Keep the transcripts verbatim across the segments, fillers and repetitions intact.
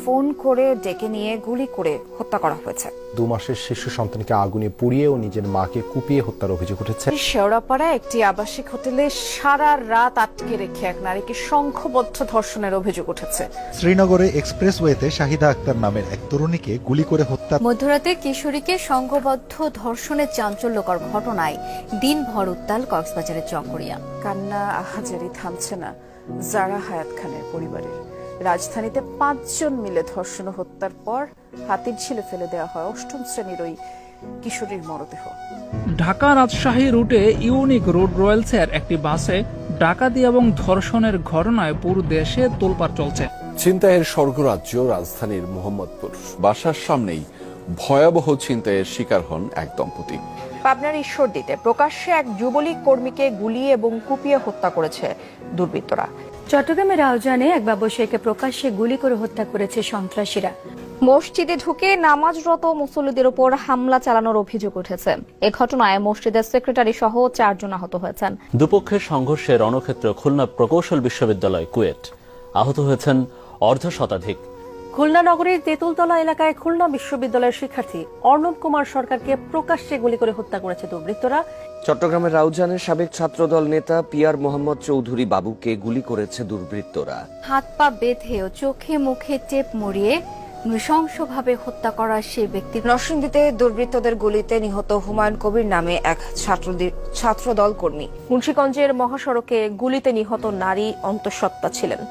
Phone করে ডেকে নিয়ে গুলি করে হত্যা করা হয়েছে। দু মাসের শিশু সন্তানকে আগুনে পুড়িয়ে ও নিজের মাকে কুপিয়ে হত্যার অভিযোগ উঠেছে। শেওড়াপাড়ায় একটি আবাসিক হোটেলে সারা রাত আটকে রেখে এক নারীকে সংঘবদ্ধ ধর্ষণের অভিযোগ উঠেছে। শ্রীনগরে এক্সপ্রেসওয়েতে শাহিদা আক্তার নামের এক তরুণীকে গুলি করে হত্যা। মধ্যরাতে কিশোরীকে সংঘবদ্ধ ধর্ষণের চাঞ্চল্যকর ঘটনায় দিনভর উত্তাল কক্সবাজারের চকরিয়া। কান্না আহাজারি থামছে না জারা হায়াত খানের পরিবারের। রাজধানীতে পাঁচজন মিলে ধর্ষণ ও হত্যার পর হাতির ঝিলে ফেলে দেওয়া হয় অষ্টম শ্রেণীর ওই কিশোরীর মরদেহ। ঢাকা রাজশাহী রুটে ইউনিক রোড রয়েলসের একটি বাসে ডাকাতি এবং ধর্ষণের ঘটনায় পুরো দেশে তোলপাড় চলছে। ছিনতাইয়ের স্বর্গরাজ্য রাজধানীর মোহাম্মদপুর। বাসার সামনেই ভয়াবহ ছিনতাইয়ের শিকার হন এক দম্পতি। পাবনার ঈশ্বরদীতে প্রকাশ্যে এক যুবলীগ কর্মীকে গুলি এবং কুপিয়ে হত্যা করেছে দুর্বৃত্তরা। চট্টগ্রামের রাউজানে এক ব্যবসায়ীকে প্রকাশ্যে গুলি করে হত্যা করেছে সন্ত্রাসীরা। মসজিদে ঢুকে নামাজরত মুসল্লিদের উপর হামলা চালানোর অভিযোগ উঠেছে। এ ঘটনায় মসজিদের সেক্রেটারি সহ চারজন আহত হয়েছেন। দুপক্ষের সংঘর্ষে রণক্ষেত্র খুলনা প্রকৌশল বিশ্ববিদ্যালয় কুয়েট। আহত হয়েছেন অর্ধ শতাধিক। খুলনা নগরীর তেঁতুলতলা এলাকায় খুলনা বিশ্ববিদ্যালয়ের শিক্ষার্থী অর্ণব কুমার সরকারকে প্রকাশ্যে গুলি করে হত্যা করেছে দুর্বৃত্তরা। চট্টগ্রামের রাউজানের সাবেক ছাত্রদল নেতা পিয়ার মোহাম্মদ চৌধুরী বাবুকে গুলি করেছে দুর্বৃত্তরা। হাত পা বেঁধে ও চোখে মুখে টেপ মরিয়ে নৃশংসভাবে হত্যা করা সেই ব্যক্তি। নরসিংদীতে দুর্বৃত্তদের গুলিতে নিহত হুমায়ুন কবির নামে এক ছাত্রদল কর্মী। মুন্সিগঞ্জের মহাসড়কে গুলিতে নিহত নারী অন্তঃসত্ত্বা ছিলেন।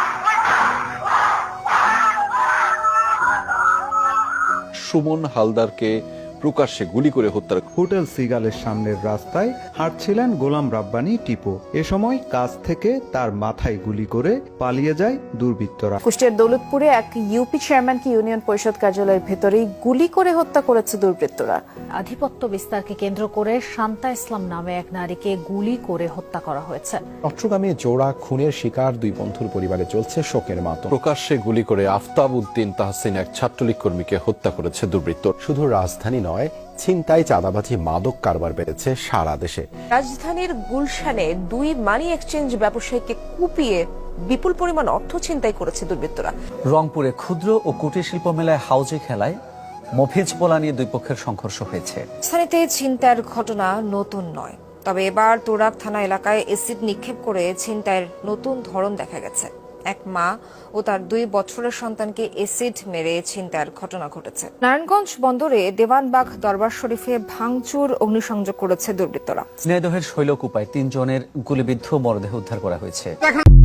সুমন হালদারকে প্রকাশ্যে গুলি করে হত্যার। হোটেল সিগালের সামনের রাস্তায় হাঁটছিলেন গোলাম রাব্বানী টিপু। এ সময় কাছ থেকে তার মাথায় গুলি করে পালিয়ে যায় দুর্বৃত্তরা। কুষ্টিয়ার দৌলতপুরে এক ইউপি চেয়ারম্যানকে ইউনিয়ন পরিষদ কার্যালয়ের ভেতরেই গুলি করে হত্যা করেছে দুর্বৃত্তরা। আধিপত্য বিস্তারকে কেন্দ্র করে শান্তা ইসলাম নামে এক নারীকে গুলি করে হত্যা করা হয়েছে। চট্টগ্রামে জোড়া খুনের শিকার দুই বন্ধুর পরিবারে চলছে শোকের মাতম। প্রকাশ্যে গুলি করে আফতাব উদ্দিন তাহসিন এক ছাত্রলীগ কর্মীকে হত্যা করেছে দুর্বৃত্ত। শুধু রাজধানী নয়, ছিনতাই, চাঁদাবাজি, মাদক কারবার বেড়েছে সারা দেশে। রাজধানীর গুলশানে দুই মানি এক্সচেঞ্জ ব্যবসায়ীকে কুপিয়ে বিপুল পরিমাণ অর্থ ছিনতাই করেছে দুর্বৃত্তরা। রংপুরে ক্ষুদ্র ও কুটির শিল্প মেলায় হাউজে খেলায় মফিজ পোলা নিয়ে দুই পক্ষের সংঘর্ষ হয়েছে। স্থানীয়তে ছিনতাইয়ের ঘটনা নতুন নয়, তবে এবার তোরাক থানা এলাকায় এসিড নিক্ষেপ করে ছিনতাইয়ের নতুন ধরন দেখা গেছে। এক মা ও তার দুই বছরের সন্তানকে এসিড মেরে ছিনতাইয়ের ঘটনা ঘটেছে। নারায়ণগঞ্জ বন্দরে দেওয়ানবাগ দরবার শরীফে ভাঙচুর অগ্নিসংযোগ করেছে দুর্বৃত্তরা। স্নেহদহের শৈলকুপায় তিনজনের গুলিবিদ্ধ মরদেহ উদ্ধার করা হয়েছে।